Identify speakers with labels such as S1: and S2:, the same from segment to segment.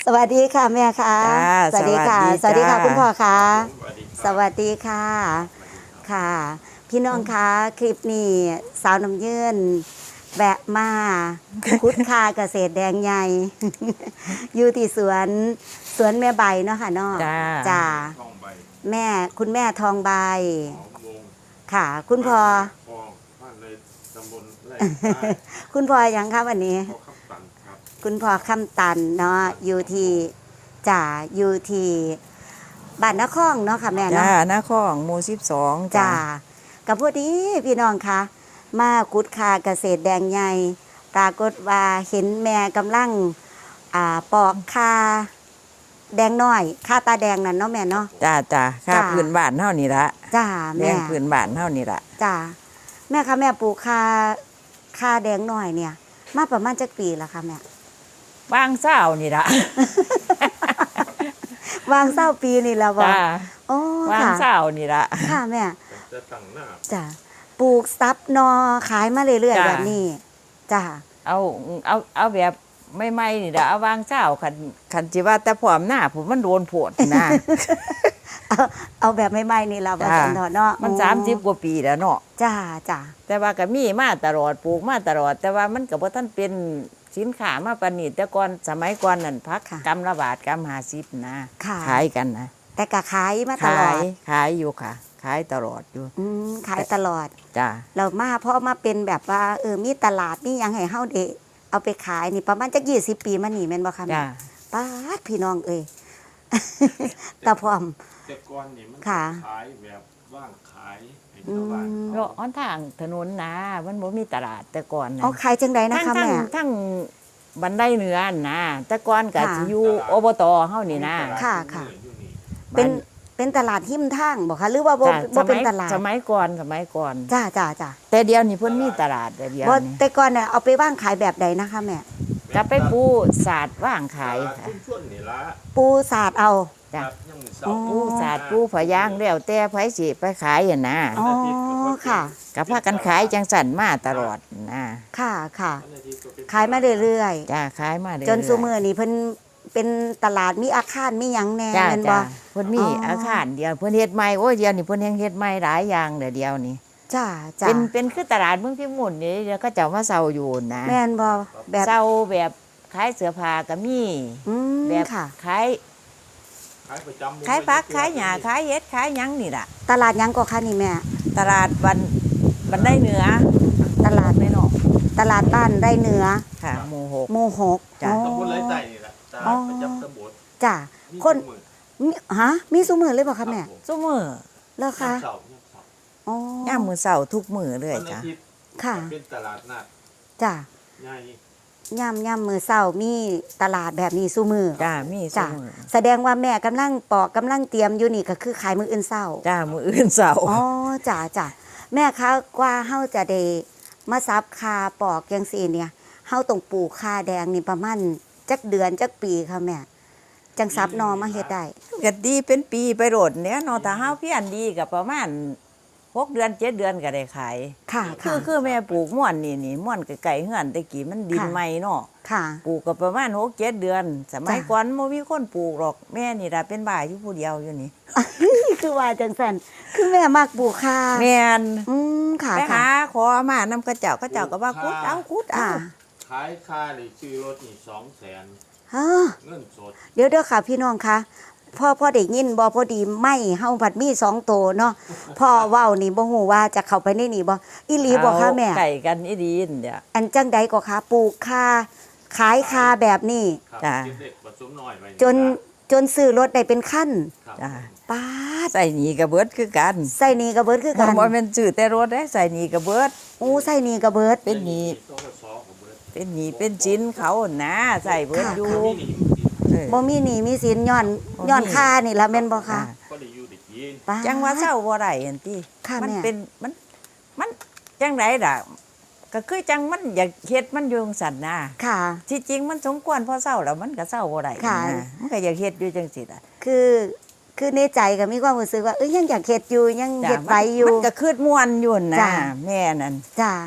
S1: สวัสดีค่ะแม่ค่ะสวัสดีค่ะสวัสดีค่ะคุณพ่อค่ะสวัสดีค่ะค่ะพี่น้องคะคลิปนี้สาวน้ำยืนแวะมาคุดคาเกษตรแดงใหญ่ อยู่ที่สวนแม่ใบเนาะค่ะเนาะจ้าแม่คุณแม่ทองใบค่ะคุณพ่อคุณพ่อยังครับวันนี้คุณพ่อคำตันเนาะอยู่ที่จ่าอยู่ที่บ้านนครเนาะค่ะแม่เนาะ
S2: นครหมู่12
S1: จ้ากับพอดีพี่น้องคะมากุดคาเกษตรแดงใหญ่ปรากฏว่าเห็นแม่กำลังปอกคาแดงน้อยคาตาแดงนั่นเนาะแม่เนาะ
S2: จ้าค่าพื้นบ้านเท่านี้ละ
S1: จ้าแม่
S2: พื้นบ้านเท่านี้ละ
S1: จ้าแม่คะแม่ปลูกคาแดงน้อยเนี่ยมาประมาณจักปีแล้วค่ะแม่
S2: วางเศร้านี่ละ
S1: วางเศร้าปีนี่แล้วบ่โอ้
S2: วางเศร้านี่ละ
S1: ค่ะแม่จ้าปลูกซับนอขายมาเรื่อยๆแบบนี้จ้า
S2: เอาแบบไม่นี่ละเอาวางเศร้าขันจิว่าแต่พร้อมหน้าผมมันโดนผดนะ
S1: เอาแบบไม่นี่เราบ่สันเนาะ
S2: มัน30 กว่าปีแล้วเนาะ
S1: จ้า
S2: แต่ว่าก็มีมาตลอดปลูกมาตลอดแต่ว่ามันก็บ่ทันเป็นสินค้ามาปานนี้แต่ก่อนสมัยก่อนนั่นพักกำละบาทกำ50นะขายกันนะ
S1: แต่ก็ขายมาตลอด
S2: ขายอยู่ค่ะขายตลอดอยู่
S1: ขายตลอด
S2: จ้า
S1: เรามาเพราะมาเป็นแบบว่ามีตลาดนี่ยังให้เฮาได้เอาไปขายนี่ประมาณจัก20 ปีมานี่แม่นบ่คะ
S2: จ้า
S1: ป๊าดพี่น้องตาพร้อม
S3: แต่ก่อนนี่มันขายแบบว่างขายให้ชาว
S2: บ้านเราอ้อนทางถนนนะมันบ่มีตลาดแต่ก่อนนะ
S1: ขายจังไดนะคะแม่
S2: ทั้งบันไดเหนือนะแต่ก่อนก็สิอยู่อบตเฮานี่นะ
S1: ค่ะเป็นตลาดหิมทางบ่คะหรือว่าบ่เป็นตลาด
S2: สมัยก่อน
S1: จ้า
S2: แต่เดี๋ยวนี้เพิ่นมีตลาดเดี๋ยวนี้
S1: แต่ก่อนเนี่ยเอาไปว่างขายแบบใดนะคะแม่
S2: จะไปปูศาสตร์ว่างขายค่ะ
S1: ปูศาสตร์เอา
S2: จ้ะปูศาสตร์ปูผายางแล้วแต่ไผสิไปขายอ่ะนะ
S1: อ๋อค่ะ
S2: ก็พากันขายจังสั่นมาตลอดนะ
S1: ค่ะขายมาเรื่อย
S2: ๆจ้ะขายมาเรื่อยๆ
S1: จนซุมื้อนี้เพิ่นเป็นตลาดมีอาคารมีหยังแน่แม่นบ่
S2: เพิ่นมีอาคารเดียวเพิ่นเฮ็ดใหม่โอ้ยเดี๋ยวนี้เพิ่นเฮ็ดใหม่หลายอย่างเดี๋ยวนี้
S1: จ้า
S2: เป็นคือตลาดเมืองพิบูลนี่เดี๋ยวก็เจ้ามาเซาอยู่นะ
S1: แม่นบ่แบบ
S2: เซาแบบขายเสื้อผ้าก็มีแบบขายผักขายหญ้าขายเห็ดขายหยังนี่ล่ะ
S1: ตลาดหยังก็คะนี่แม่
S2: ตลาดบันไดเหนือ
S1: ตลาดไม่นอกตลาดบ้านได้เหนือ
S2: ค่ะหมู่
S1: 6
S3: จ้ะตำบลไรใต้นี่แหละตลาดประจำตำบล
S1: จ้ะคนมีซุมื้อเลยบ่คะแม่
S2: ซุมื้อ
S1: เหรอคะ
S2: อ๋อยามมื้อเช้าทุกมื้อเลยจ้ะ
S1: ค่ะ
S3: เป็นตลาดนัด
S1: จ้ะ
S3: ใหญ่
S1: ย่ำมื้อเช้ามีตลาดแบบนี้ซุมื้อ
S2: จ้ะมีซุมื้อ
S1: แสดงว่าแม่กำลังปอกกำลังเตรียมอยู่นี่ก็คือขายมื้ออื่นเช้า
S2: จ้ะมื้ออื่นเช้า
S1: อ๋อจ้ะแม่คะกว่าเฮาจะได้มาซับคาปอกจังซี่เนี่ยเฮาต้องปลูกคาแดงนี่ประมาณจักเดือนจักปีค่ะแม่จังซับนอมาเฮ็ดได้
S2: ก็ดีเป็นปีไปโดดเนี่ยเนาะถ้าเฮาเพียรดีก็ประมาณ6 เดือน7 เดือนก็ได้ขาย
S1: ค่ะ
S2: คือแม่ปลูกม่วนนี่ม่วนไกลๆเฮือนตะกี้มันดินใหม่เนาะปลูกก็ประมาณ6 7 เดือนสมัยก่อนบ่มีคนปลูกหรอกแม่นี่ล่ะเป็นบ้าอยู่ผู้เดียวอยู่นี่
S1: คือว่าจังซั่นคือแม่มักปลูกคา
S2: แม่น
S1: ค่ะ
S2: ไปหาขอมานำกระเจ้าก็ว่าคุดเอา
S3: ขายคานี่ซื้อรถนี่200,000เงินสด
S1: เดี๋ยวค่ะพี่น้องคะพ่อได้ยินบ่พอดีไม่เฮาผัดมี2 โตเนาะพ่อเว้านี่บ่ฮู้ว่าจะเข้าไปในนี่บ่อีหลีบ่คะแม่
S2: ไก่กันอีดีนเดี๋ยว
S1: อันจังใดก็คะปลูกคาขายคาแบบนี้
S2: จ้ะ
S1: จนซื้อรถได้เป็นคัน
S2: จ้ะ
S1: ป๊าด
S2: ใส่หนีกับเบิดคือกัน
S1: ใส่หนีกับเบิดคือกัน
S2: บ่แม่นซื้อแต่รถได้ใส่หนีกับเบิด
S1: โอ้ใส่หนีกับเบิด
S2: เป็นหนีเป็นชิ้นเขานะใส่เบิดอยู่
S1: บ่มีหนี้มีสินย้อนค่านี่ล่ะแม่นบ่คะ
S2: จังว่าเศร้าบ่ได้เห็นติมันเป็นมันจังได๋ล่ะก็คือจังมันอยากเฮ็ดมันอยู่จังซั่นนะ
S1: ค่ะ
S2: ที่จริงมันสมควรพอเศร้าแล้วมันก็เศร้าบ่ได้นะมันก็อยากเฮ็ดอยู่จังซี่ล่ะ
S1: คือในใจก็มีความรู้สึกว่ายังอยากเฮ็ดอยู่ยังเฮ็ดไปอยู่
S2: มันก็คืดม่วนอยู่นะแม่นั่น
S1: จ้ะ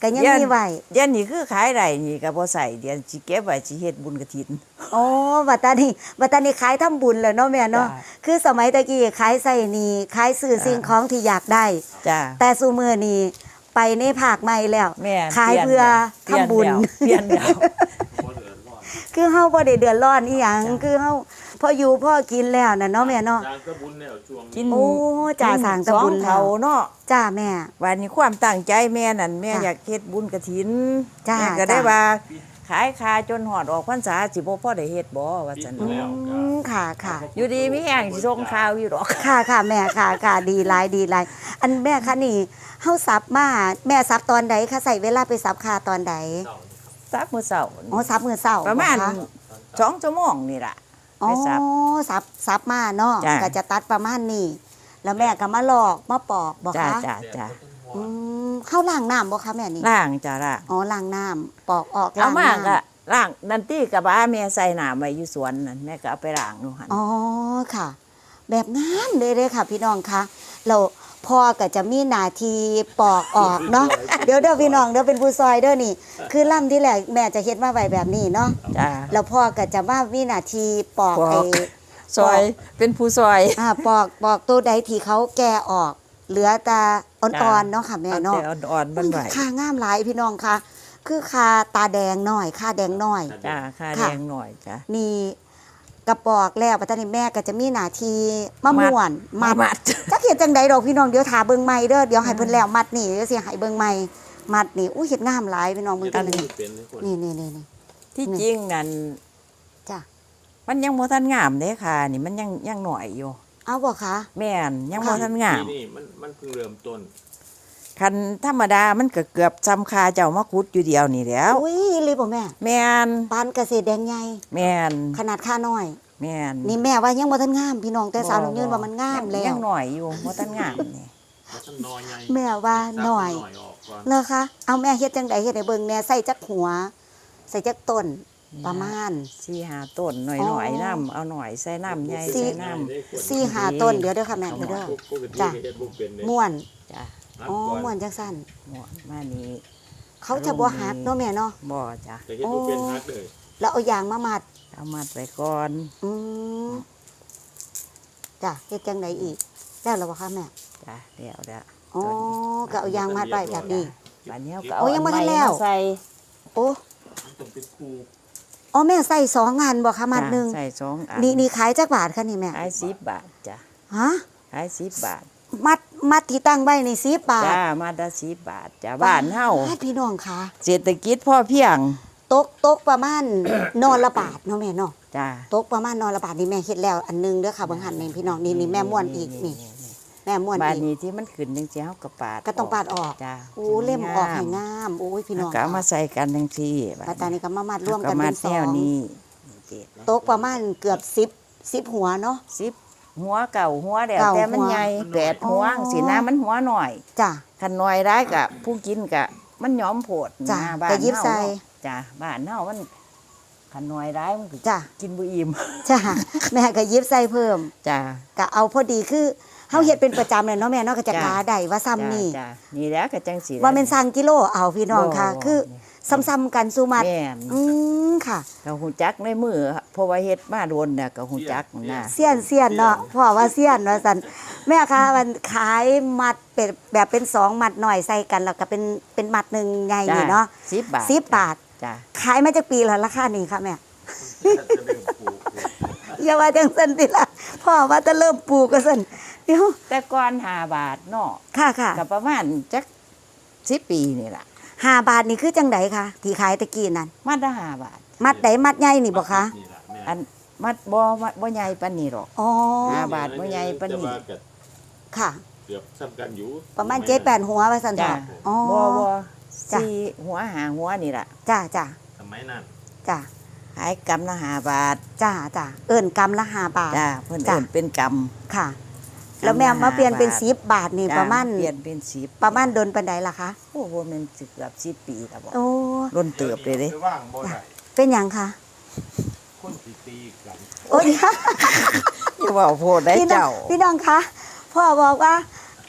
S1: ก็ยังมีไว้
S2: เดี๋ยวนี้คือขายได้นี่ก็บ่ใส่เดี๋ยวสิเก็บไว้สิเฮ็ดบุญกฐิน
S1: อ๋อบัดตานี้ขายทำบุญแล้วเนาะแม่เนาะ
S2: จ้ะ
S1: คือสมัยตะกี้ขายใส่นี่ขายซื้อสิ่งของที่อยากได้
S2: จ้า
S1: แต่ซุมื้อนี้ไปในภาคใหม่แล้ว
S2: แม่
S1: ขายเพื่อทำบุญ
S2: เปลี่ยนแล้ว
S3: บ่เดือดร้อน
S1: คือเฮาบ่ได้เดือดร้อนอีหยังคือเฮาพออยู่พอกินแล้วน่ะเนาะแม่เนาะ
S3: จางก็บุญแล้วช่วง
S2: กิ
S3: นี้
S2: น
S1: โอ้จ้าสร้างแต่บุญ
S2: สอ
S1: แล้ว
S2: เท่าเนาะ
S1: จ้าแม่
S2: วันนี้ความตั้งใจแม่นั่นแม่
S1: จ้ะ
S2: อยากเฮ็ดบุญกฐิน
S1: จ้ะ
S2: แม่ก็ได้
S1: จ้ะ
S2: ว่าขายคาจนหอดออกพรรษาสิบ่พอได้เฮ็ดบ่ว่าซั่น
S3: ปิดแล้วก็
S1: ค่ะค่ะ
S2: อยู่ดีมีแห้งสิส่งข่าวอยู่ดอก
S1: ค่ะค่ะแม่ค่ะดีหลายดีหลายอันแม่คะนี่เฮาสับมาแม่สับตอนใดคะใส่เวลาไปสับคาตอนใด
S3: เศร้านี่ครับ
S2: ซับมื้อเช้า
S1: อ๋อสับมื้อเช้า
S2: ประมาณ
S1: เหอคะ
S2: 2 ชั่วโมงนี่ล่ะ
S1: อ๋อ
S2: ไปสับ
S1: สับมาเนาะ
S2: จ้ะ
S1: ก็จะตัดประมาณนี้แล้วแม่ก็มาลอกมาปอกบ่
S2: จ้า
S1: คะ
S2: จ้าจ้า
S1: อืมเข้าล้างน้ำบ่คะแม่นี่
S2: ล้างจ้าล่ะ
S1: อ๋อล้างน้ำปอกออก
S2: เอา
S1: ล้าง
S2: มา
S1: น้ำ
S2: ก็ล้างนันตี้กับบ้าแม่ใส่น้ำไว้อยู่สวนนั่นแม่ก็เอาไปล้างนู่นหั่น
S1: อ๋อค่ะ แบบงามเลยค่ะ พี่น้องคะเราพ่อก็จะมีหน้าที่ปอกออกเนาะ เดี๋ยวพี่น้องเดี๋ยวเป็นผู้ซอยเด้อนี่ คือล่ำที่แรกแม่จะเฮ็ดมาไว้แบบนี้เนาะ
S2: จ้า
S1: แล้วพ่อก็จะมามีหน้าที่ปอก
S2: ปอก ซอยเป็นผู้ซอย
S1: ปอกตัวใดที่เขาแก่ออก เหลือแต่อ่อนๆเนาะค่ะแม่
S2: เอา
S1: เนาะ
S2: แต่อ่อนๆมันไหว
S1: ค่างามหลายพี่น้องค่ะ คือค่าตาแดงหน่อยค่าแดงหน่อย
S2: จ้าค่า
S1: ค่ะ
S2: แรงหน่อยจ้า
S1: นี่กระปอกแล้วปัตตานีแม่ก็จะมีหน้าที่มะม่วน
S2: มัด
S1: จักเฮ็ดจังใดดอกพี่น้องเดี๋ยวถาเบิ่งใหม่เด้อเดี๋ยวให้เพิ่นแล้วมัดนี่เดี๋ยวสิให้เบิ่งใหม่มัดนี่อู้เฮ็ดงามหลายพี่น้องเบิ่ง
S3: กั
S1: กัน น
S3: นี่
S1: นี่
S3: เป็นเลยคน
S1: นี่
S2: ที่จริงนั่น
S1: จ้ะ
S2: มันยังบ่ทันงามเด้ค่ะ นี่มันยังหน่อยอยู่
S1: เอาบ่คะ
S2: แม่นยังบ่ทันงาม
S3: นี่มันเพิ่งเริ่มต้น
S2: คันธรรมดามันก็เกือบซ้ำคาเจ้ามาขุดอยู่เดียวนี่แหล้ว
S1: อุ้ยเลยบ่แม่
S2: แม่น
S1: ปานเกษตรแดงใหญ่
S2: แม่น
S1: ขนาดค่าน้อย
S2: แม่น
S1: นี่แม่ว่ายังบ่ทันงามพี่น้องแต่สาวน้ำยืนว่ามันงามแล้
S2: ยั
S1: ว
S2: งหน่อยอยู่บ่ทันงามนี่
S3: แล้วก็น้อยไง
S1: แม่ว่าน้อย
S3: ออกก่อน
S1: เหรอคะเอาแม่เฮ็ดจังใดเฮ็ดให้เบิ่งแหน่ใส่จักหัว ใส่จักต้นประมาณ
S2: 4-5ต้นหน่อยๆน้ำเอาหน่อยใส่น้ำใหญ่
S1: สี่
S2: ใส่น้ำ
S1: 4-5ต้นเดี๋ยวเด้อค่ะแม่เดี๋ยวเด้อ
S3: ปกติ
S1: จ้ะ
S3: เฮ็ดบ่เป็นเลย
S1: ม่วน
S2: จ้ะ
S3: นับ
S1: อ๋อ
S3: ก่อน
S1: ม่วนจังซั่น
S2: หมดมานี้
S1: เขาจะบ่หักเนาะแม่เนาะ
S2: บ่จ้ะ
S3: แต่เฮ็ดบ่เป็นฮักเลย
S1: แล้วเอายางมามัด
S2: เอามัดไว้ก่อน
S1: อืมจ้ะเฮ็ดจังไดอีกแล้วเหรอบ่คะแม่
S2: จ้ะเดี๋ยวเด้อ
S1: อ๋อก็เอายางมัดไว้แบบนี้
S2: บัดนี้ก็
S1: โอ้
S2: เอา
S1: ยังบ่ทัน
S2: อันใหม่
S1: แล้ว
S2: มาใส่
S1: โอ้
S3: มันต้องเป็นครู
S1: อ๋อแม่ใส่2อันบ่คะมัดหนึง
S2: จ้ะใส่2อัน
S1: นี่ขายจักบาทคะนี่แม่
S2: ขาย10 บาทจ้ะ
S1: ฮะ
S2: ขาย10 บาท
S1: มัดที่ตั้งไว้นี่10 บาท
S2: จ้ามาได้10 บาทจ้ะบ้านเฮา
S1: พี่น้องค่ะ
S2: เศรษฐกิจพอเพียง
S1: ตกประมาณ นอนละบาทเนาะแม่เนาะ
S2: จ้ะ
S1: ตกประมาณนอนละบาทนี่แม่เฮ็ดแล้วอันหนึงเด้อค่ะเบิ่งหันนี่พี่น้องนี่แม่ม่วนอีกนี่แม่ม่วน
S2: บ้าน
S1: อีก
S2: นี้ที่มันขึ้นจังซี่เฮาก็ปาด
S1: ก็ต้องปาดออก
S2: จ้ะ
S1: โอ้เล่มออกให้งามโอ้ยพี่น้อง
S2: ก็เอามาใส่กันจังซี่
S1: ปัตตานีก็มามัดรวมกัน
S2: ก็
S1: เป็
S2: มาน
S1: สอ
S2: แนว
S1: ง
S2: นี้
S1: ตกประมาณเกือบ10หัวเนาะ
S2: 10หัวเก่าหัวแล้ว
S1: เก่า
S2: แต่มัน
S1: หัว
S2: ใหญ่8หัว
S1: อ๋อ
S2: สินะมันหัวหน่อย
S1: จ้ะ
S2: คันน้อยได้กะผู้กินกะมันยอมโพด
S1: จ้ะ
S2: นะบ้าน
S1: ก็ยิบ
S2: เฮา
S1: ใส่
S2: เนาะจ้ะบ้านเฮามันคันน้อยได้มันก็
S1: จ้ะ
S2: กินบ่อิ่ม
S1: จ้ะแม่ก็ยิบใส่เพิ่ม
S2: จ้ะ
S1: ก็เอาพอดีคือเฮาเฮ็ดเป็นประจำเลยเนาะแม่เนาะก็จะ
S2: จ้ะ
S1: กาได้ว่าซ้ำนี่
S2: จ้ะนี่แหล้วก็จังสิ
S1: ว่าแม่นสั่งกิโลเอาพี่น้องค่ะ
S2: บ่
S1: คือซ้ำๆกันสู่มัด
S2: แม่น
S1: ค่ะ
S2: ก็ฮู้จักในมือเพราะว่าเฮ็ดมาโดนน่ะก็ฮู้จักนะ
S1: เสี้ยนเนาะพ่อว่าเสี้ยนว่าซั่นแม่คะมันขายมัดเป็นแบบเป็น2มัดหน่อยใส่กันแล้วก็เป็นมัดหนึงใหญ่นี่เนาะ
S2: 10 บาท
S1: 10 บาท
S2: จ้ะ
S1: ขายมาจากปีแล้วราคานี้ค่ะแม่
S3: จะเริ่มปลูก
S1: อย่าว่าจังซั่นติล่ะพ่อว่าจะเริ่มปลูกก็ซั่นเดี๋ยว
S2: แต่ก่อน5 บาทเนาะ
S1: ค่ะ
S2: ก็ประมาณจัก10 ปีนี่ล่ะ
S1: 5 บาทนี่คือจังไดคะที่ขายตะกี้นั่น
S2: มัดละ5 บาท
S1: มัดใดมัดใหญ่นี่บ่คะ
S3: นี่ล่ะแม่
S2: อันมัดบ่ใหญ่ปานนี้หรอก
S1: อ๋อ
S2: 5 บาทบ่ใหญ่ปานนี้
S3: แต่ว่าก็
S1: ค่ะ
S3: เกือบซ้ำกันอยู่
S1: ประมาณ7-8หัวว่าซั่น
S2: จ้ะ
S1: จ้ะอ๋อ
S2: บ่
S1: จ้ะ
S2: 4หัว5หัวนี่ล่ะ
S1: จ้ะ
S3: สมัยนั้น
S1: จ้ะ
S2: ขายกำละ5 บาท
S1: จ้ะเอิ้นกำละ5 บาท
S2: จ้าเพิ่น
S1: จ้ะ
S2: เอิ้นเป็นก
S1: ค่ะ
S2: ำ
S1: แล้วแม่มาเปลี่ยนเป็น
S2: กำละ
S1: 10 บาทนี่
S2: จ้
S1: ประมาณ
S2: เปลี่ยนเป็น10
S1: ประมาณโดนปานใดล่ะคะ
S2: โอ้โหมันสิเกือบ10 ปีแล้วบ่
S1: โอ้
S2: ล้นเติบเลยเด้
S3: จะว่างบ่ได้
S1: เป็นหยังคะ
S3: คนสิตีกัน
S1: โอ้ย
S2: อย่าเว้าโพดได้
S1: พี่น้อ
S2: เจ้า
S1: งพี่น้องคะพ่อบอกว่า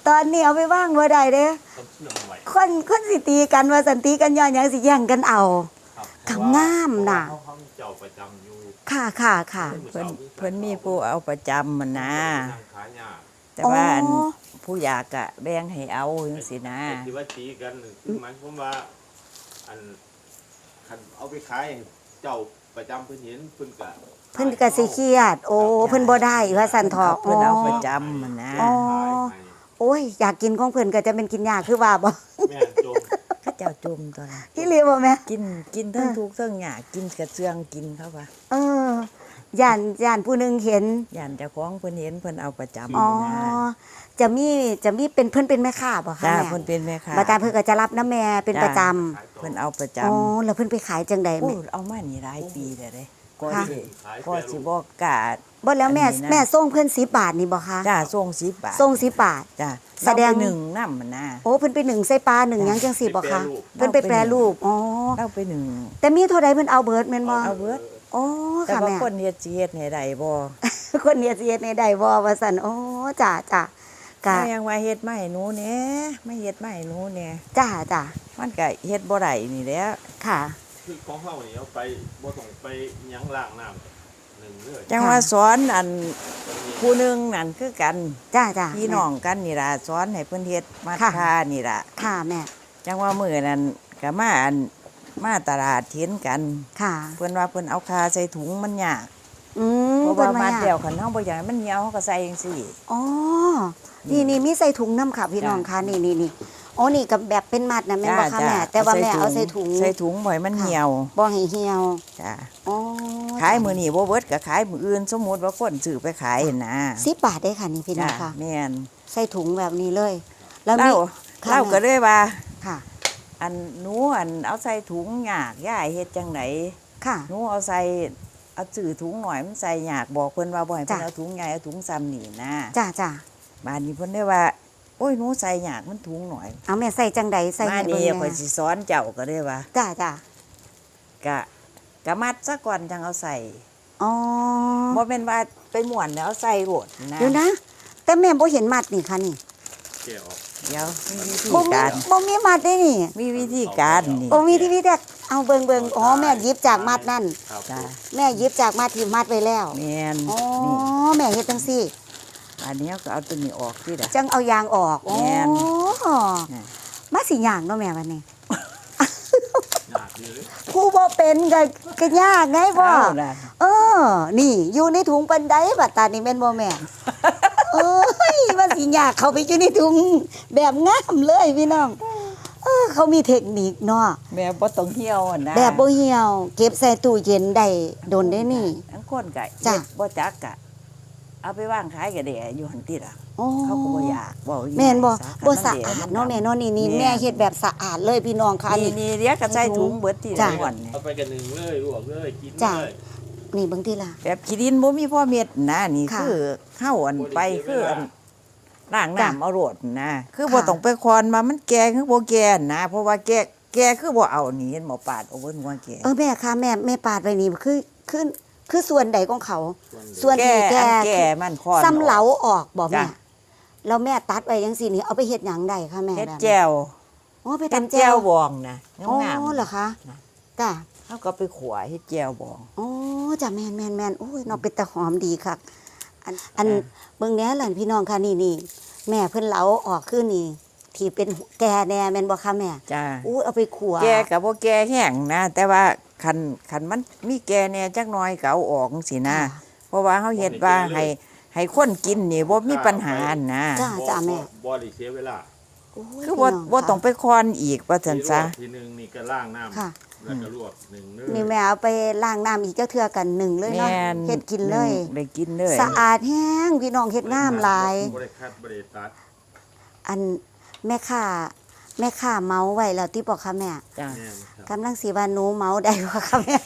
S1: ตอนนี้เอาไปว่างบ่ได้เด้
S3: ต้องเชื่อมไว้
S1: คนสิตีกันว่าสันติกันย้อนหยังสิแย่งกันเอา
S3: ครับ
S1: ก็งามน่ะ
S3: เพราเขามีเจ้าประจำอยู่
S1: ค่ะค่ะค่ะ
S2: เพิ่นมีผู้เอาประจำมันนะ
S3: นั่งขายยา
S2: แต่ว่าอัน
S1: อ๋อ
S2: ผู้อยากอะแบ่งให้เอาจังซี่นะ
S3: ที่ว่าตีกันนี่คือหมายความว่าอันคันเอาไปขายให้เจ้าประจำเพิ่นเห็นเพิ่นก็
S1: เพิ่นก็สิเครียด โอ้เพิ่นบ่ได้ว่าสันทอก
S2: เพิ่นเอาประจำมันนะ
S1: อ๋อ
S3: ขายให้
S1: โอ้ยอยากกินของเพิ่นก็จะเป็นกินยากคือว่าบ่
S3: แม่นจม
S2: เขาเจ้าจุ่มตัวละ
S1: พี่เลียบ่แม่
S2: กินทั้งทุกข์ทั้งยากกินกระเจืองกินเข้าว่า
S1: ย่านผู้หนึงเห็น
S2: ย่านเจ้าของเพิ่นเห็นเพิ่นเอาประจำ
S1: อ๋อ
S2: นะ
S1: จะมีเป็นเพิ่นเป็นแม่ค้าบ่คะ
S2: จ้า
S1: แม่
S2: เพิ่นเป็นแม่ค้า
S1: บาดาเพิ่นก็จะรับน้ำแม่เป็นประจำ
S3: ขายต่อ
S2: เพิ่นเอาประจ
S1: อ๋อแล้วเพิ่นไปขายจังใด
S2: ำโอ้
S1: แม่
S2: เอามานี่หลายปีแล้วเด้ก็
S1: ค่ะ
S2: สิ
S3: ขาย
S2: ก็
S3: แปร
S2: สิ
S3: รูป
S2: บ่กล้า
S1: บ่แล้วแม่
S2: อันนี้นะ
S1: แม่ส่งเพิ่น10 บาทนี่บ่คะ
S2: จ้าส่ง10 บาท
S1: ส่ง10 บาท
S2: จ้า
S1: แสดง
S2: เราไปหนึ่งน้ำมันนะ
S1: โอ้เพิ่นไปหนึ่งใส่ปลาหนึ่งหยังจังซี่บ่คะ
S3: ไปแปรรูป
S1: เพิ่นไปแปรรูปอ๋อ
S2: เราไปหนึ่ง
S1: แต่มีเท่าใดเพิ่นเอาเบิดแม่นบ่
S2: เอาเบิด
S1: อ๋อ
S2: แต่
S1: ค่ะ
S2: ว่า
S1: แม่
S2: คนเฮ็ดสิเฮ็ดให้ได้บ่
S1: คนเนี่ยสิเฮ็ดในใดบ่ว่าซั่นอ๋อจ้ะจ้ะกะ
S2: ถ้ายังว่าเฮ็ดมาให้หนูแหน่ไม่เฮ็ดมาให้หนูแหน่
S1: จ้ะจ้ะ
S2: มันก็เฮ็ดบ่ได้นี่แหละ
S1: ค่ะ
S3: คือของเฮานี่เอาไปบ่ต้องไปหยังล้างน้ำหนึ่งเลย
S2: จังว่าสอนอันผู้หนึงนั่นคือกัน
S1: จ้ะจ้ะ
S2: พี่น้องกันนี่ล่ะสอนให้เพิ่นเฮ็ดมา
S1: ค่ะ
S2: ค่านี่ล่ะ
S1: ค่ะแม่
S2: จังว่ามื้อนั้นก็มาตลาดเห็นกัน
S1: ค่ะ
S2: เพิ่นว่าเพิ่นเอาคาใส่ถุงมันยาก
S1: อืม
S2: เพราะ
S1: เพิ่
S2: ว่าน มา
S1: มา
S2: แต้วคันเฮาบ่อยากให้มันเหี่ยวเฮาก็ใส่จังซี่
S1: อ๋อนี่มีใส่ถุงน้ำค่ะพี่น้องค่ะนี่อ๋อนี่กับแบบเป็นมัดนะแม่นบ่คะแม่แต่ว่าแม่เอาใส่ถุง
S2: ใส่ถุงบ่ให้มันเหี่ยว
S1: บ่ให้เหี่ยว
S2: จ้ะ
S1: อ๋อ
S2: ขายมื้อนี้บ่เบิดก็ขายมื้ออื่นสมมุติว่าคนซื้อไปขายหั่นนะ
S1: 10 บาทได้ค่ะนี่พี่น้อง
S2: จ้ะ
S1: ค่ะ
S2: แม่น
S1: ใส่ถุงแบบนี้เลย แล้วมี
S2: เรา
S1: ค่ะ
S2: เราก็
S1: แม่
S2: เลยว่า
S1: ค่ะ
S2: อันหนูอันเอาใส่ถุงยากยายเฮ็ดจังได
S1: ค่ะ
S2: หนูเอาซื้อถุงหน่อยมันใส่ยากบอกเพิ่นว่าบ่ให้เพิ่น
S1: จ้ะ
S2: เอาถุงใหญ่เอาถุงซ้ำนี่นะ
S1: จ้ะจ้ะ
S2: บ้านนี้เพิ่นได้ว่าโอ้ยหนูใส่ยากมันถุงหน่อย
S1: เอาแม่ใส่จังใดใส่
S2: มา
S1: ให้เบิ่
S2: นี่
S1: ง
S2: ข่อย
S1: แม่
S2: สิสอนเจ้าก็ได้ว่า
S1: จ้ะจ้ะ
S2: กะมัดซะก่อนจังเอาใส่
S1: อ๋อ
S2: บ่แม่นว่าไปม่วนแล้วเอาใส่โหดนะ
S1: เดี๋ยวนะ แต่แม่บ่เห็นมัดนี่ค่ะนี่
S3: แกะออก
S2: เดี๋ยวมีวิธี
S1: บ่มี
S2: การ
S1: บ่มีมัดได้นี่
S2: มีวิธีการนี่
S1: โอ้มีที่พี่แดกเอาเบิ่งอ๋อแม่หยิบจากมัดนั่น
S3: ครับ
S2: จ้ะ
S1: แม่หยิบจากมัดที่มัดไว้แล้ว
S2: แม่น
S1: อ๋อ
S2: นี่
S1: แม่เฮ็ดจังซี่
S2: อันนี้ก็เอาตัวนี้ออกที่ละ
S1: จังเอายางออกอ๋อ
S2: แม่น
S1: มาสิยางเนาะแม่วันนี้
S3: ยากอยู่เลย
S1: ผู้บ่เป็นก็ยากไงบ่
S2: เอาล่ะ
S1: เออ นี่อยู่ในถุงปันไดบัดตานี่แม่นบ่แม่เอ้ยมันสิยากเข้าไปอยู่ในถุงแบบงามเลยพี่น้องเขามีเทคนิคเนาะ
S2: แม่บ่ต้องเหี่ยวนะ
S1: แบบบ่เหี่ยว เก็บใส่ตู้เย็นได้โดนได้นี่
S2: ทั้งคนก็
S1: จ้ะ
S2: เฮ็ดบ่จักกะเอาไปวางขายก็ได้อยู่หั่นติล่ะ
S1: อ๋อ
S2: เขาก็บ่อยากบ่อยู่
S1: แม่นบ่
S2: สาขา
S1: บ่สะ
S2: มัน
S1: อา
S2: เดี๋
S1: ด
S2: ยว
S1: เนาะแม่เนาะนี่
S2: แม่
S1: แม่เฮ็ดแบบสะอาดเลยพี่น้องค่ะ
S2: นี่
S1: นี่
S2: นี่เรียกก็ใส่ถุงเบิดที่
S1: จ้ะ
S2: ละวันนี่
S3: เอาไปกันหนึ่งเลยลวกเลยกิน
S1: จ้ะ
S3: เลย
S1: นี่บางทีล่ะ
S2: แบบขี้ดินบ่มีพ่อเม็ดนะนี่
S1: ค่ะ
S2: คือเฮาอันไปคืออันล้าง
S1: จ้ะ
S2: น้ำเอาโรดนะคือ
S1: ค่ะ
S2: บ่ต้องไปคอนมามันแก่คือบ่แก่นะ เพราะว่าแก่คือบ่เอานี่เห็นหมอปาดเอาเบิ่นว่าแก่
S1: แม่ค่ะแม่ปาดไว้นี่คือส่วนใดของเขา ส่วน
S2: แก่
S1: ที่แก่
S2: อันแก่มันคอน
S1: ซ้ำเหลาออกบ่แม่
S2: จ้ะ
S1: แล้วแม่ตัดไว้จังซี่นี่เอาไปเฮ็ดหยังได้ค่ะแม่
S2: เฮ็ด
S1: แบบนี้
S2: แจ่ว
S1: อ๋อไป
S2: เฮ็ด
S1: ทำ
S2: แจ่
S1: แจ่
S2: ว
S1: ว
S2: บองนะงาม
S1: อ๋อเหรอคะ
S2: นะ
S1: จ้ะ
S2: เฮาก็ไปขัวเฮ็ดแจ่วบอง
S1: อ๋อจ้ะแม่นโอ้ยเนาะเป็นตะหอมดีคักอัน
S2: จ้ะ
S1: เบิ่งแหน่ล่ะพี่น้องค่ะนี่แม่เพิ่นเหลาออกคือนี่ ที่เป็นแก่แน่แม่นบ่คะแม่
S2: จ้า
S1: อู้เอาไปขัว
S2: แก่ก็บ่แก่แห้งนะ แต่ว่าคันมันมีแก่แหน่จักหน่อยก็เอาออกจังซี่นะ
S1: ค่ะ
S2: เพราะว่าเฮาเฮ็ดว่าให้คนกินนี่บ่มีปัญหานะ
S1: จ้ะ จ้ะแม่
S3: บ่ได้เสียเวลา
S1: โอ้ย
S2: คือ
S1: พี่น้
S2: บ่
S1: ค่ะ
S2: ต้องไปคอนอีกว่าซั่นซะ
S3: ทีหนึงนี่ก็ล้างน้ำ
S1: ค่ะ
S3: แล้วก็ลวกหนึ่งเนื้อ
S1: นี่แม่เอาไปล้างน้ำอีกเจ้าเทื่อกันหนึ่งเลยเนาะ
S2: แม่น
S1: เฮ็ดกินเลย
S2: ได้กินเลย
S1: สะอาดแห้งพี่น้องเฮ็ดงามหลาย
S3: บ่ได้คัดบ่ได้ตัด
S1: อันแม่ค้าเมาไว้แล้วที่บอกค่ะแม่
S2: จ้า
S3: แม่นครับ
S1: กำลังสิว่าหนูเมาได้บ่ค่ะแม่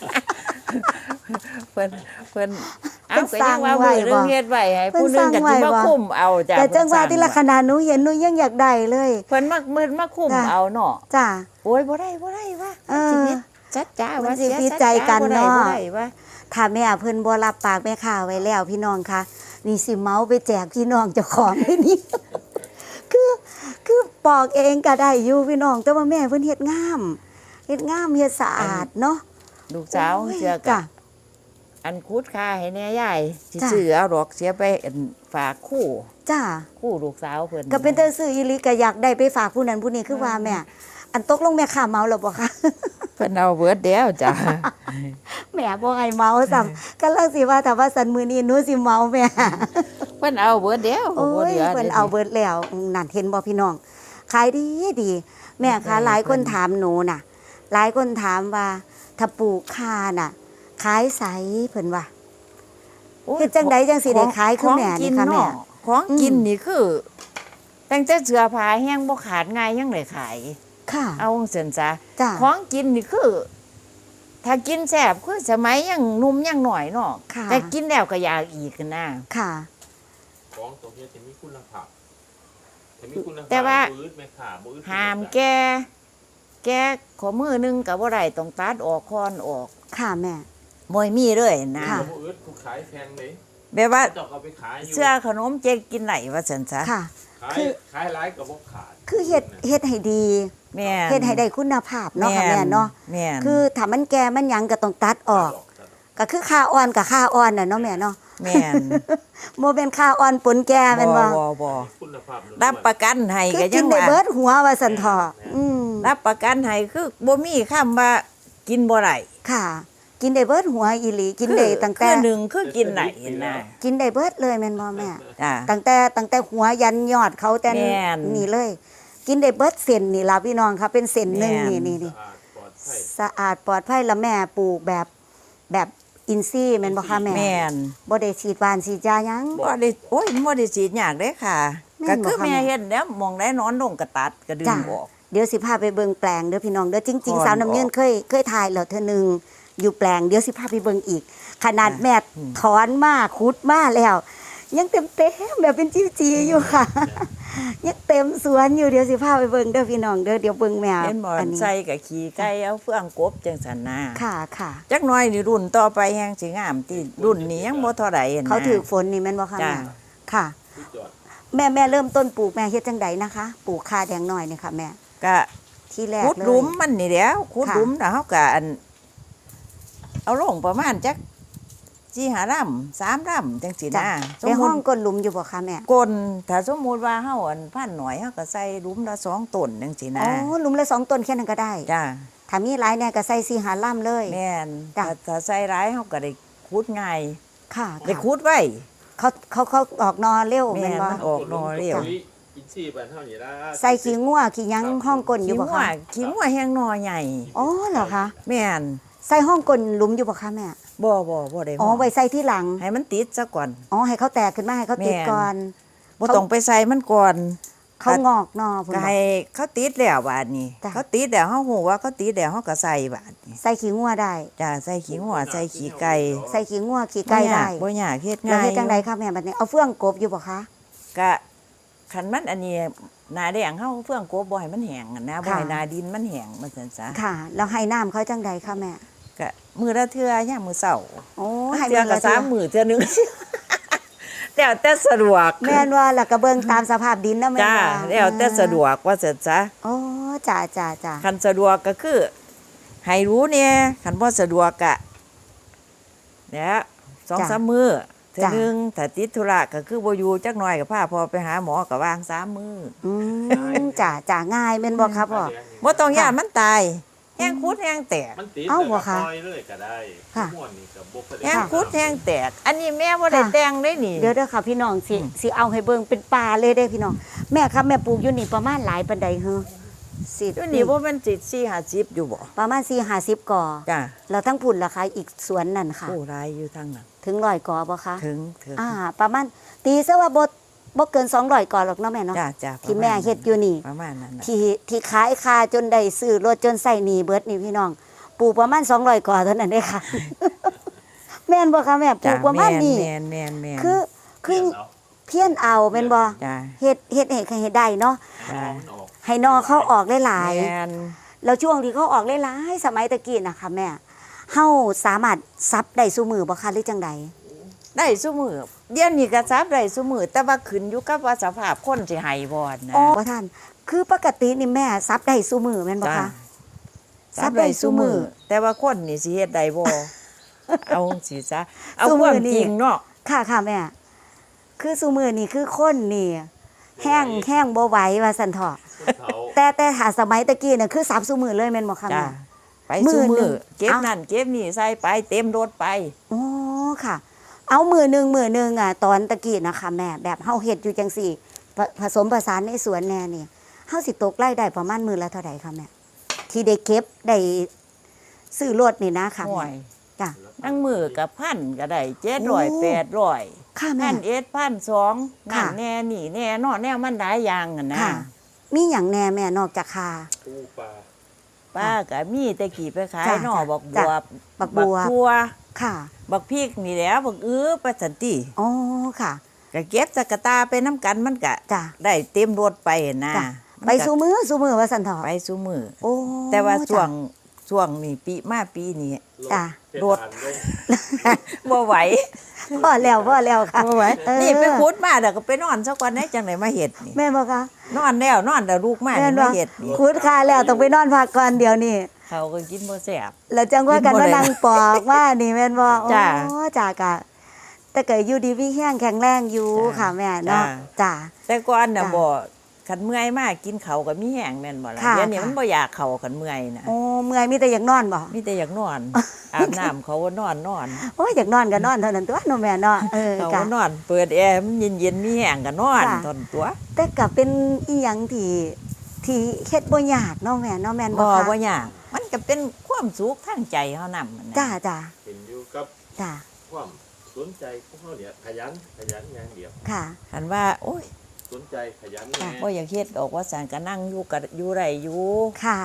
S2: เพิ่นเอา
S1: เพิ่น
S2: ก็ยังว่ามื้อหนึงเฮ็ดไว้ให้ผู้หนึงก็
S1: เพิ่
S2: สิ
S1: นสร้างไว้
S2: มา
S1: บ่
S2: คุมเอาจ้ะ
S1: แต่จังว่า
S2: เพิ่นสร้
S1: ที่ละขนาดหนูเห็นหนูยังอยากได้เลย
S2: เพิ่นมาคุม
S1: จ้ะ
S2: เอาเนาะ
S1: จ้า
S2: โอ้ยบ่ได้ว่า
S1: เออ
S2: ชีวิตจัดจ้า
S1: มัน
S2: ว่า
S1: สิ
S2: เสีย
S1: พิ
S2: สัจ
S1: จัยกัน
S2: บ่ได้
S1: เนาะ
S2: บ่ได้ว่า
S1: ถ้าแม่เพิ่นบ่รับปากแม่ค้าไว้แล้วพี่น้องค่ะนี่สิเมาไปแจกพี่น้องเจ้าของเลยนี่คือปอกเองก็ได้อยู่พี่น้องแต่ว่าแม่เพิ่นเฮ็ดงามเฮ็ดสะอาดเนาะ
S2: ลูกสาว
S1: โอ้ย
S2: เชื่อกั
S1: จ้ะ
S2: บอันคุดค่าให้แน่ยายสิ
S1: จ้ะ
S2: ซื้อเอาดอกเสียไปอั่นฝากคู่
S1: จ้า
S2: คู่ลูกสาวเพิ่น
S1: ก็เป็นแต่ซื้ออีหลีก็อยากได้ไปฝากผู้นั้นผู้นี้คือว่าแม่ อันตกลงแม่ค้าเมาแล้วบ่คะ
S2: เพิ่นเอาเบิดแล้วจ้ะ
S1: แม่บ่ให้เมาซ้ำกำลังสิว่าถ้าว่าสันมื้อนี้หนูสิเมาแม่
S2: เพิ่นเอาเบิดแล้ว
S1: โอ้
S2: บ่
S1: ย
S2: เหลือ
S1: เพิ่นเอาเบิดแล้วนั่นเห็นบ่พี่น้องขายดีดีแม่คะหลายคนถามหนูน่ะ หลายคนถามว่าถ้าปลูกข่าน่ะ ขายไสเพิ่นว่า
S2: โอ้ย
S1: เฮ็ดจังใดจังสิได้ขายคือแม่นี่ค่ะแม่
S2: ของกิน
S1: อืม
S2: นี่คือตั้งแต่เสื้อผ้าแห้งบ่ขาดง่ายยังได้ขาย
S1: ค่ะ
S2: เอาจังซั่นซะ
S1: จ้า
S2: ของกินนี่คือ ถ้ากินแซ่บคือสมัยยังหนุ่มยังหน่อยเนาะ
S1: ค่ะ
S2: แต่กินแล้วก็อยากอีกนะ
S1: ค่ะ
S3: ของตัวเนี้ยจะมีคุณภาพจะมีคุณภาพ
S2: แต่ว่า
S3: บ่อึดแม่ค่ะบ่อึด
S2: ห้ามแกขอมือหนึงก็บ่ได้ต้องตัดออกคอนออก
S1: ค่ะแม่
S2: บ่มีเลยนะ
S1: ค่ะ
S3: บ่อึดผู้ขายแพงเลย
S2: แบบว่า
S3: เจ้าเอาไปขายอยู่
S2: เสื้อขนมเจ๊กินไหนว่าซั่นซะ
S1: ค่ะ
S3: ขาย
S1: คือ
S3: ขายหลายก็บ่ขาด
S1: คือเฮ็ดให้ดี
S2: แม่น
S1: เฮ็ดให้ได้คุณภาพเนาะค่ะแม่เนาะ
S2: แม่น
S1: คือถ้ามันแก่มันหยังก็ต้องตัดออก ก็คือค่าอ่อนกับค่าอ่อนน่ะเนาะแม่เนาะ
S2: แม่น
S1: บ่เป็นค่าอ่อนปนแก่แม่นบ่
S2: บ่
S3: คุณภาพล้วนๆ
S2: รับประกันให้
S1: คือ
S2: ก็
S1: กิ
S2: ยั
S1: น
S2: ง
S1: ได้
S2: ว่า
S1: เบิดหัวว่าซั่นเถาะอืม
S2: รับประกันให้คือบ่มีคำว่ากินบ่ได้
S1: ค่ะ กินได้เบิดหัวอีหลีกินได้ตั้งแต่
S2: คือหนึ่งคือกินไหนนะ
S1: กินได้เบิดเลยแม่นบ่แม่
S2: จ้ะ
S1: ตั้งแต่หัวยันยอดเขาแต่
S2: แม่น
S1: นี่เลย กินได้เบิดเส้นนี่ล่ะพี่น้องค่ะเป็นเส้นหนึง
S2: แม่น
S1: นี่
S3: สะอาดปลอดภัย
S1: สะอาดปลอดภัยแล้วแม่ปลูกแบบอินทรีย์แม่นบ่คะแม่
S2: แม่น
S1: บ่ได้ฉีดหวานฉีดยาหยัง
S2: บ่ได้โอ้ยบ่ได้ฉีดยากเด้ค่ะ
S1: แม่
S2: ก็
S1: นบ่
S2: คือ
S1: คะ
S2: แม่
S1: แม่
S2: เฮ็ดแล้วมองได้นอนลงก็ตัดก็ดึง
S1: จ้ะ
S2: ออก
S1: เดี๋ยวสิพาไปเบิ่งแปลงเด้อพี่น้องเด้อจริง
S2: ก่อน
S1: ๆสาวน้ำยืนเคยถ่ายแล้วเทื่อหนึงอยู่แปลงเดี๋ยวสิพาไปเบิ่งอีก ขนาดแม่ถอนมาขุดมาแล้ว ยังเต็มแบบเป็นจิ้วจีอยู่ค่ะ ยังเต็มสวนอยู่เดี๋ยวสิพาไปเบิ่งเด้อพี่น้องเด้อเดี๋ยวเบิ่งแมว
S2: เห็นบ่
S1: อันนี้
S2: ใส่กับขี้ไก่เอาเฟืองกบจังซั่นนะ
S1: ค่ะค่ะ
S2: จักหน่อยนี่รุ่นต่อไปแฮงสิงามที่รุ่นนี้ยังบ่เท่าใดนะ
S1: เขาถือฝนนี่แม่นบ่คะ
S2: จ้ะ
S1: แม่ค่ะ
S3: สุดยอด
S1: แม่เริ่มต้นปลูกแม่เฮ็ดจังใดนะคะปลูกคาแดงน้อยนี่ค่ะแม่
S2: ก็
S1: ที่แรก
S2: ขุด
S1: เลย
S2: หลุมมันนี่แหล้วขุด
S1: ค่ะ
S2: หลุมแล้วเฮาก็อัน เอาลงประมาณจัก4-5ลำ3ลำจังซี่
S1: จ้ะ
S2: นะสม
S1: ใน
S2: มุ
S1: ห้อ
S2: ติ
S1: งก้นหลุมอยู่บ่คะแม่
S2: กลถ้าสมมุติว่าเฮาอันพันหน่อยเฮาก็ใส่หลุมละ2ต้นจังซี่
S1: อ๋
S2: นะ
S1: อหลุมละ2ต้นแค่นั้นก็ได้
S2: จ้า
S1: ถ้ามีหลายแน่ก็ใส่4 5ล่ำเลย
S2: แม่น
S1: จ้ะ
S2: ถ้าใส่หลายเฮาก็ได้ขุดง่าย
S1: ค่ะ
S2: ได้ขุดไว้
S1: เขาออกนอเร็ว
S2: แม่
S1: แม่นบ่
S2: มันออกหน่อเร็ว
S3: อินทรีย์บ้านเฮานี่ล่ะ
S1: ใส่ขี้งัวขี้หยังห้องก้นอยู่บ่คะ
S2: ขี้งัวแห้งหน่อใหญ่
S1: อ๋อเหรอคะ
S2: แม่น
S1: ใส่ห้องก้นหลุมอยู่บ่คะแม่
S2: บ่ได้
S1: อ๋อ
S2: ห่อ
S1: ไว้ใส่ที่หลัง
S2: ให้มันติดซะก่อน
S1: อ๋อให้เขาแตกขึ้นมาให้เขาติด
S2: แม่น
S1: ก่อน
S2: บ่ต้องไปใส่มันก่อน
S1: เขางอกนอพุ่น
S2: ก็
S1: บ่
S2: ให้เขาติดแล้วบาดนี้
S1: จ้ะ
S2: เขาติดแล้วเฮาฮู้ว่าเขาติดแล้วเฮาก็ใส่บาดนี้
S1: ใส่ขี้งัวได้
S2: จ้าใส่ขี้งัวใส่ขี้ไก่
S1: ใส่ขี้งัวขี้ไก่ได้
S2: บ่ยากเฮ็ด
S1: แล้ว
S2: ง่าย
S1: เฮ็ดจังไดคะแม่บัดนี้เอาเฟืองกบอยู่บ่คะ
S2: ก็คันมันอันนี้หน้าแดงเฮาเฟื่องกบบ่ให้มันแห้งอะนะบ่
S1: ค่ะ
S2: ให้หน้าดินมันแห้งมันซั่นซะ
S1: ค่ะแล้วให้น้ำเขาจังใดคะแม่
S2: ก็มื้อละเทื่อยามมื้อเช้า
S1: โอ้ให้
S2: เทื่อ
S1: มื้
S2: ก็
S1: อละเทื่อ
S2: 3มื้อเทื่อหนึง แล้วแต่สะดวก
S1: แม่นว่าแล้วก็เบิ่งตามสภาพดินนะแม่น
S2: จ้า
S1: ว่า
S2: แล้วแต่สะดวกว่าซั่นซะ
S1: โอ้จ้า
S2: คันสะดวกก็คือให้รู้เนี่ยคันบ่สะดวกก็เนี่ย2-3 มื้อเทื่อหนึงถ้าติดธุระก็คือบ่อยู่จักหน่อยก็พาพ่อไปหาหมอก็วาง3มื้อ
S1: อืมจ้าง่ายแม่นบ่ครับพ่อ
S2: บ่ต้องย่านมันตายแห้งคุดแห้งแตก
S3: มันติด
S1: เอ้า
S3: แล้ว
S1: บ่
S3: ก็
S1: คะ
S3: ปล่อยเลยก็ได้
S1: ค่ะ
S3: ม่วนนี่ก็บ่ค่อยได้
S2: แห้งคุดแห้งแตก อันนี้แม่บ่ได้แต่งได้นี่
S1: เดี๋ยวค่ะพี่น้องสิเอาให้เบิ่งเป็นป่าเลยเด้พี่น้องแม่ครับแม่ปลูกอยู่นี่ประมาณหลายปานใดเฮอสิ
S2: อยู่นี่บ่แม่นสิ4-50อยู่บ่
S1: ประมาณ4-50ก่อ
S2: จ้ะ
S1: แล้วทั้งพุ่นล่ะคะอีกสวนนั่นค่ะ
S2: โอ้หลายอยู่ทางนั้น
S1: ถึง100ก่อบ่คะ
S2: ถึง
S1: ประมาณตีซะว่าบ่เกิน200ก่อหรอกเนาะแม่เนาะ
S2: จ้ะ
S1: ที่แม่เฮ็ดอยู่นี่
S2: ประมาณนั้นน่ะ
S1: ที่ขายคาจนได้ซื้อรถจนใส่หนี้เบิดนี่พี่น้องปลูกประมาณ200ก่อเท่านั้นเด้ค่ะ แม่นบ่คะแม่ปลู
S2: จ้ะ
S1: กประมาณนี้
S2: แม่น
S1: คือ
S3: เปลี่ยนเอา
S1: เพี้ยนเอาแม่นบ่
S2: จ้ะ
S1: เฮ็ดให้ได้เนาะ
S3: ให้มันออก
S1: ให้นอเข้าออกหลาย
S2: แม่น
S1: ๆแล้วช่วงที่เขาออกหลายๆสมัยตะกี้น่ะค่ะแม่เฮาสามารถซับได้ซุมือบ่คะหรือจังใด
S2: ได้ซุมื้อเดี๋ยวนี้ก็ทราบได้ซุมื้อแต่ว่าขึ้นอยู่กับว่าสภาพคนสิให้บ่นะ
S1: อ๋อบ่ท่านคือปกตินี่แม่ซับได้ซุมือแม่นบ่
S2: จ้า
S1: คะ
S2: ซับได้ซุมือแต่ว่าคนนี่สิเฮ็ดได้บ่ เอาสิซะเอา
S1: ซุ
S2: ค
S1: มื้
S2: วา
S1: อ
S2: ม
S1: นี่
S2: จริงเนาะ
S1: ค่ะค่ะแม่ คือซุมือนี่คือคนนี่แห้งบ่ไหวว่าซั่นเถาะ
S3: คนเฒ่า
S1: แต่หาสมัยตะกี้น่ะคือซับซุมือเลยแม่นบ่คะ
S2: จ้า
S1: แม่
S2: ไป
S1: มื้
S2: ซุ
S1: อหนึ่
S2: มือง เก็บ
S1: เอ้า
S2: นั่นเก็บนี่ใส่ไปเต็มรถไป
S1: อ๋อค่ะ เอามือหนึ่งอ่ะตอนตะกี้นะคะแม่แบบเฮาเฮ็ดอยู่จังซี่ผสมผสานในสวนแน่นี่เฮาสิตกรายได้ประมาณมื้อละเท่าใดคะแม่ที่ได้เก็บได้ซื้อรถนี่นะค่ะ
S2: ห่ว
S1: แม่
S2: ย
S1: จ้ะ
S2: นั่งมือกับพันก็ได้
S1: โอ้
S2: 700 800
S1: ค่ะแม่
S2: พันเอ็ดพันสองนั่
S1: ค่ะ
S2: นแน่นี่แน่เนอแน่มันหลายอย่างอะนะ
S1: ค่ะ มีหยังแน่แม่นอกจากคา
S3: ปูปลา
S2: ป้าก็มีแต่กี่ไปขาย
S1: จ้ะ
S2: นอ
S1: จ้ะ
S2: บักบ
S1: จ้ะ
S2: วบ
S1: บักบัว
S2: ทั่ว
S1: ค่ะ
S2: บักพริกนี่แหล้วบักไปสันติ
S1: อ๋อค่ะ
S2: ก็เก็บสกตาไปน้ำกันมันก็
S1: จ้ะ
S2: ได้เต็มรถไปนะ
S1: จ้ะ
S2: มัน
S1: ไป
S2: ก็
S1: สู่มือว่าซั่นเถาะ
S2: ไปสู่มือ
S1: โอ้
S2: แต่ว่าช่ว
S1: จ้ะ
S2: งนี่ปีนี้
S1: จ้ะ
S2: รถ บ่ไหว
S1: พอแล้วค่ะ
S2: บ่ไหว
S1: เออ
S2: นี่ไปขุดมาเดี๋ยวก็ไปนอนซะก่อนได้จังไหนมาเฮ็ดนี่
S1: แม่บ่คะ
S2: นอนแล้วนอนแต่ลูกมา
S1: แม่น
S2: นี่
S1: บ่
S2: มาเฮ็ดนี่
S1: คุดคาแล้วต้องไปนอนพักก่อนเดี๋ยวนี้
S2: เขาก็กินบ่แซ่บ
S1: แล้วจังว่ากัน
S2: กินบ่
S1: ว่า
S2: ได้
S1: นางปอกว่านี่แม่นบ่
S2: จ้ะ
S1: โอ้จ้ากะ แต่ก็อยู่ดีมีแห้งแข็งแรงอยู่
S2: จ้ะ
S1: ค่ะแม่เนาะ
S2: จ้ะ
S1: จ้า
S2: แต่ก่อนน่ะ
S1: จ้ะ
S2: บ่คันเมื่อยมากกินเขาวก็มีแห้งแม่นบ่ล่ะ
S1: ค่ะ
S2: เดี๋ยวนี้
S1: ค่ะ
S2: มันบ่อยากเขาคันเมื่อยน่ะ
S1: โอ้เมื่อยมีแต่อยากนอนบ่
S2: มีแต่อยากนอน อาบน้ำเขาว่านอน
S1: โอ้ยอยากนอนก็นอนเท่านั้นตัวเนาะแม่เนาะ
S2: เขา
S1: กะ
S2: ว่านอน เปิดแอร์มันเย็นๆมีแห้งก็นอน
S1: จ้ะ
S2: ทนตัว
S1: แต่ก็เป็นอีหยังที่เฮ็ดบ่ยากเนาะแม่เนาะแม่นบ่
S2: บ่
S1: คะ
S2: บ่ยากมันก็เป็นความสุขทางใจเฮานำนะ
S1: จ้า
S3: เป็นอยู่กับ
S1: จ้า
S3: ความสนใจของเขาเนี่ยขยันอย่างเดียว
S1: ค่ะ
S2: คันว่าโอ้ย
S3: สนใจขยันแน่
S2: บ่อยากเฮ็ดดอกว่าซั่นก็นั่งอยู่ก็อยู่ได้อยู่
S1: ค่ะ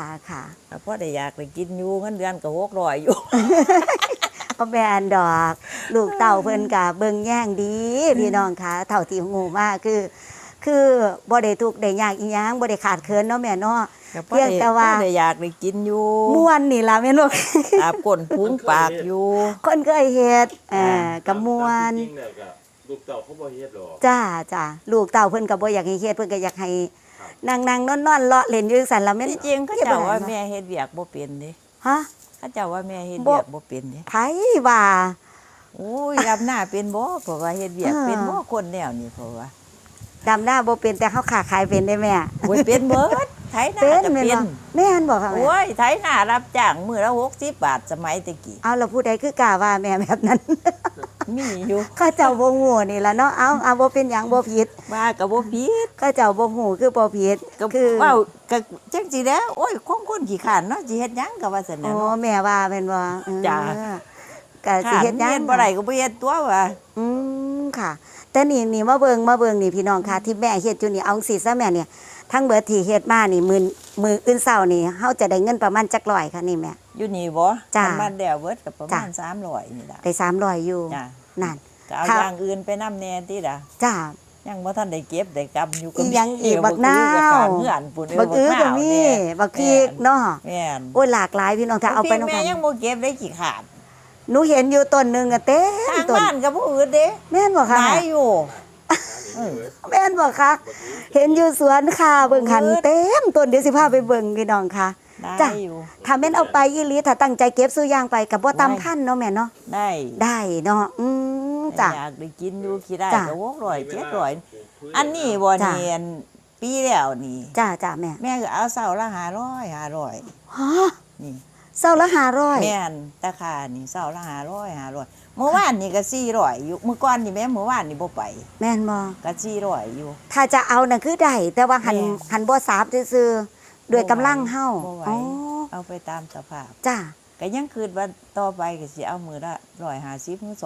S2: พอได้อยากได้กินอยู่เงินเดือนก็600อยู่
S1: ก็แม่นดอก ลูกเต่าเพิ่นก็เบิ่งแย่งดีพี่น้องค่ะเท่าที่งูมาคือบ่ได้ทุกข์ได้ยากอีหยังบ่ได้ขาดเคินเนาะแม่เนาะ
S2: ก็พอ
S1: เพียงแต่ว่า
S2: พอได้อยากได้กินอยู่
S1: ม่วนนี่ล่ะแม่นบ่
S2: อาบก้นพุงปากอยู่
S1: คนเคยเฮ็ดก็ม่วน
S3: จริงๆเนี่ยก็ลูกเต่าเขาบ่เฮ็ดหรอก
S1: จ้าลูกเต่าเพิ่นก็บ่อยากให้เฮ็ดเพิ่นก็อยากให้
S3: ครับ
S1: นั่งๆนอนๆเลาะเล่นอยู่จังซั่นล่ะแม่น
S2: ที่จริงเขาเจ้าว่าแม่เฮ็ดเวียกบ่เป็นเด้
S1: ฮะ
S2: เขาเจ้าว่าแม่เฮ็ด
S1: บ่
S2: เวียกบ่เป็นเด้
S1: ไผว่า
S2: โอ้ยรับหน้าเป็นบ่เพราะว่าเฮ็ดเวียก
S1: อ่า
S2: เป็นบ่คนแนวนี้เพราะว่า
S1: ดำหน้าบ่เป็นแต่เฮาค้าขายเป็นได้แม่
S2: โอ้ยเป็นเบิดไถนา
S1: เป็น
S2: ก็
S1: แม่น
S2: เป็
S1: บ่
S2: น
S1: แม่นบ่ค่ะแม่
S2: โอ้ยไถนารับจ้างมื้อละ60บาทสมัยตะกี้
S1: เอาแล้วผู้ใดคือกล้าว่าแม่แบบนั้น
S2: มีอยู่
S1: ข้าเจ้าบ่ฮู้นี่ล่ะเนาะเอาบ่เป็นหยังบ่ผิด
S2: ว่าก็บ่ผิด
S1: ข้าเจ้าบ่ฮู้คือบ่ผิด
S2: ก็
S1: คือ
S2: เว้าก็จังสิแล้วโอ้ยของคนขี้ขานเนาะสิเฮ็ดหยังก็ว่าซั่น
S1: อ๋
S2: น่ะ
S1: อ
S2: เนาะ
S1: แม่ว่าแม่นบ่
S2: จ้ะ
S1: ก็สิเฮ็ดหยัง
S2: เฮ็ดบ่ได้ก็บ่เฮ็ดตัวว่า
S1: อืมค่ะ แต่นี่มาเบิ่งนี่พี่น้องค่ะ ที่แม่เฮ็ดอยู่นี่เอาสิซะแม่เนี่ยทั้งเบิดที่เฮ็ดมานี่มื้ออื่นเช้านี่เฮาจะได้เงินประมาณจักร้อยค่ะนี่แม่
S2: อยู่นี่บ่
S1: จ้ะ
S2: มันบ้านแล้วเบิดก็ประมาณ
S1: จ้ะ
S2: 300นี่ล่ะ
S1: ได้300อยู่
S2: จ้ะ
S1: นั่น
S2: ก็เอา
S1: ค่ะ
S2: อย่างอื่นไปนำแน่ติล่ะ
S1: จ้า
S2: ยังบ่ทันได้เก็บได้กำอยู่
S1: อีหยังอีกบักนาว
S2: เฮือนปุ่น
S1: บักอื้อก็มีบักพริกเนาะ
S2: แม่น
S1: โอ้ยหลากหลายพี่น้องถ้าเอาไป
S2: น้
S1: น้อง
S2: แม่
S1: กัน
S2: ยังบ่เก็บได้ขี้ขาด
S1: หนูเห็นอยู่ต้นหนึงอะเต็
S2: ทาม ง
S1: ต้น
S2: บ้านก็บ่อืดเด้
S1: แม่นบ่
S2: ห
S1: คะ
S2: ลายอยู่
S1: แม่นบ่คะเห็นอยู่สวนค่ะเบิ่งหันเต็มต้นเดี๋ยวสิพาไปเบิ่งพี่น้องค่ะ
S2: ได้
S1: จ้ะ
S2: อยู่
S1: ถ้าแม่นเอาไปอีหลีถ้าตั้งใจเก็บซื้อย่างไปก็บ่ตำคันเนาะแม่เนาะ
S2: ได้
S1: ได้เนาะจ้ะ
S2: อยากได้กินอยู่ขี้ได้
S1: จ้ะ
S2: ก็600 700อันนี้บ่
S1: จ้ะ
S2: เนียนปีแล้วนี่
S1: จ้าแม่
S2: แม่ก็เอาเสาละ500
S1: ฮะ
S2: นี่
S1: เซาละ500
S2: แม่นราคานี่เสาละ500เมื่อวานนี่ก็400อยู่เมื่อก่อนนี่แม่เมื่อวานนี่บ่ไป
S1: แม่นบ่
S2: ก็400อยู่
S1: ถ้าจะเอาน่ะคือได้แต่ว่าหัน
S2: แม่
S1: หันบ่สาบซื่อๆด้วยกำลังเฮา
S2: บ่ไหว
S1: อ๋อ
S2: เอาไปตามสภาพ
S1: จ้า
S2: ก็ยังคืนว่าต่อไปก็สิเอามือละ150ถึง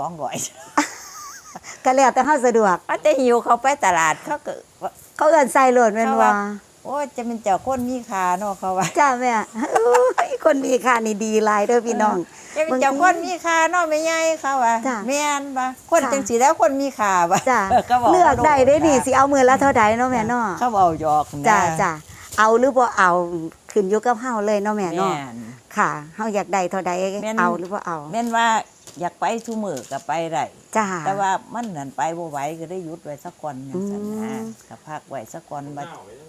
S2: 200
S1: ก็แล้วแต่เฮาสะดวก
S2: ว่าแต่หิวเขาไปตลาดเขาก็ว่า
S1: เขาเอิ้นใส่โหลดแม่น
S2: เขา
S1: บ่
S2: ว่า โอ้ยจะเป็นเจ้าคนมีค่าเนาะเขาว่า
S1: จ้าแม่โอ้ยคนดีค่ะนี่ดีหลายเด้อพี่น้อง
S2: จะเป็นเจ้าคนมีค่าเนาะแม่ใหญ่เขาว่า
S1: จ้ะ
S2: แม่นบ่คน
S1: ค่ะ
S2: จังสิแล้วคนมีค่าบ่
S1: จ้า
S2: ก็บอก
S1: เลือกได้เด้นี่
S2: ว่า
S1: สิเอามือละเท่าใดเนาะแม่เนาะ
S2: เขาเอาหยอกนะ
S1: จ้าเอาหรือบ่เอาขึ้นอยู่กับเฮาเลยเนาะแม่
S2: แม่
S1: เนาะ
S2: น
S1: ค่ะเฮาอยากได้เท่าใด
S2: แม่น
S1: เอาหรือบ่เอา
S2: แม่นว่าอยากไปซุมื้อก็ไปได้
S1: จ้า
S2: แต่ว่ามันนั่นไปบ่ไหวก็ได้หยุดไว้สักก่อนจังซั่นนะ
S1: อืม
S2: ก็พักไว้สักก่อน
S3: ห
S2: บัด
S3: นาวยังบ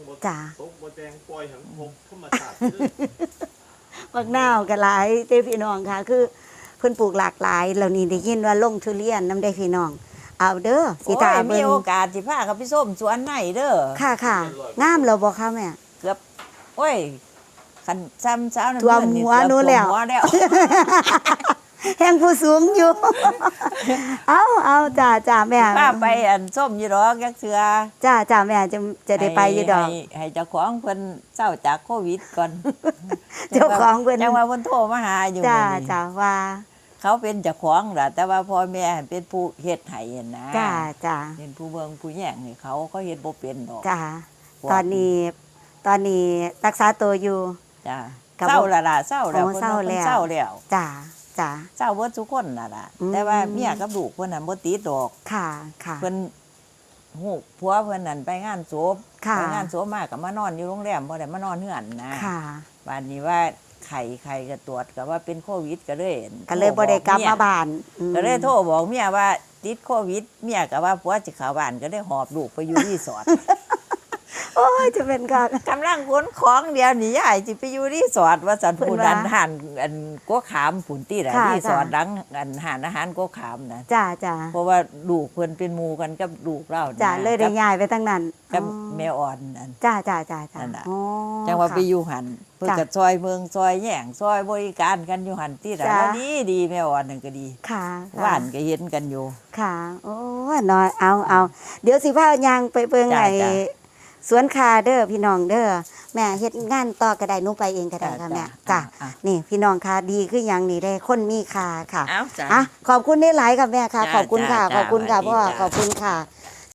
S3: บ่
S1: จ้ะ
S3: ตกบ่แดงปล่อยหังพกธรรมชาติเด้อ
S1: บักนาวก็หลายเด้พี่น้องค่ะ คือเพิ่นปลูกหลากหลายแล้วนี่ได้ยินว่าลงทุเรียนนำได้พี่น้อง เอาเด้อสิ
S2: โอ้
S1: ตาย
S2: มี
S1: เบิ่ง
S2: โอกาสสิพาเขาไปส้มสวนไหนเด้อ
S1: ค่ะค่ะงามแล้วบ่คะแม่
S2: เกือบโอ้ยคันซ้ำเช้านั้น
S1: ท่วมหัวนู้นแล้ว
S2: ท่มหัวแล้ว
S1: แห่งผู้สูงอยู่ เอาจ้าแม่
S2: ป้าไปอันส้มอยู่ดอกจักเทื่อ
S1: จ้าแม่จะได้ไปอยู่ดอก
S2: ให้เจ้าของเพิ่นเศร้าจากโควิดก่อน
S1: เจ้าของเพิ่น
S2: จังว่าเพิ่นโทรมาหาอยู่
S1: จ้า
S2: มื้อนี้
S1: จ้าว่า
S2: เขาเป็นเจ้าของล่ะแต่ว่าพ่อแม่เป็นผู้เฮ็ดให้นะ
S1: จ้า
S2: เป็นผู้เบิ่งผู้แย่งให้เขาเฮ็ดบ่เป็นดอก
S1: จ้าตอนนี้รักษาตัวอยู่
S2: จ้า
S1: กับ
S2: เศร้าและล่ะเศร้าแล้ว
S1: โอ้
S2: เพิ่น
S1: เศร้า
S2: ว่าเพิ่น
S1: แล้ว
S2: เศร้าแล้ว
S1: จ้า
S2: เศร้าเบิดทุกคนน่ะล่ะ
S1: อืม
S2: แต่ว่าเมียกับลูกเพิ่นน่ะบ่ติดดอก
S1: ค่ะ
S2: เพิ่นฮู้ผัวเพิ่นนั่นไปงานศพ
S1: ค่ะ
S2: ไปงานศพมาก็มานอนอยู่โรงแรมบ่ได้มานอนเฮือนนะ
S1: ค่ะ
S2: บัดนี้ว่าไข้ก็ตรวจก็ว่าเป็นโควิดก็เลย
S1: ก็เลยบ่ได้กลับมาบ้านอืม
S2: ก็เลยโทรบอกเมียว่าติดโควิดเมียก็ว่าผัวสิเข้าบ้านก็ได้หอบลูกไปอยู่รีสอร์ท
S1: โอ้ยจะเป็นการ
S2: กำลังขนของเดียวนี่ยายสิไปอยู่รีสอร์ทว่าสัน
S1: เพิ่น
S2: ผู้
S1: ว่า
S2: ดันหันอันกัวขามผุนตีละ
S1: ค่ะ
S2: รีสอร์ท
S1: ค่ะ
S2: ดังอันหานอาหารกัวขามนะ
S1: จ้า
S2: เพราะว่าลูกเพิ่นเป็นหมู่กันกับลูกเรานะ
S1: จ้าเลยได้ย้ายไปทั้งนั้น
S2: กับ
S1: อ๋อ
S2: แม่อ่อนนั่น
S1: จ้า
S2: นั่นน่ะ
S1: อ๋อ
S2: จังว่า
S1: ค่ะ
S2: ไปอยู่หันเพิ่น
S1: จ้ะ
S2: ก็ซอยเมืองซอยแย่งซอยบริการกันอยู่หันที่ละ
S1: จ้ะ
S2: แล้วดีแม่อ่อนนั่นก็ดี
S1: ค่ะ
S2: ว่านก็เห็นกันอยู่
S1: ค่ะ โอ้ยน้อยเอาเดี๋ยวสิพายางไปเบิ่ง
S2: จ้ะ
S1: ไอ้
S2: จ้ะ
S1: สวนคาเด้อพี่น้องเด้อแม่เฮ็ดงานต่อก็ได้หนูไปเองก็ได้ค่ะแม่จ้ะ
S2: อ่ะ
S1: นี่พี่น้องค่ะดีคือหยังนี่ได้คนมีค่าค่ะ
S2: เอ้าจ้ะ
S1: อ่ะขอบคุณได้หลายค่ะแม่ค่ะ
S2: จ้ะ
S1: ขอบคุณค่ะ
S2: จ้ะ
S1: ขอบคุณค่ะ
S2: สวัสดี
S1: พ่อ
S2: จ้ะ
S1: ขอบคุณค่ะ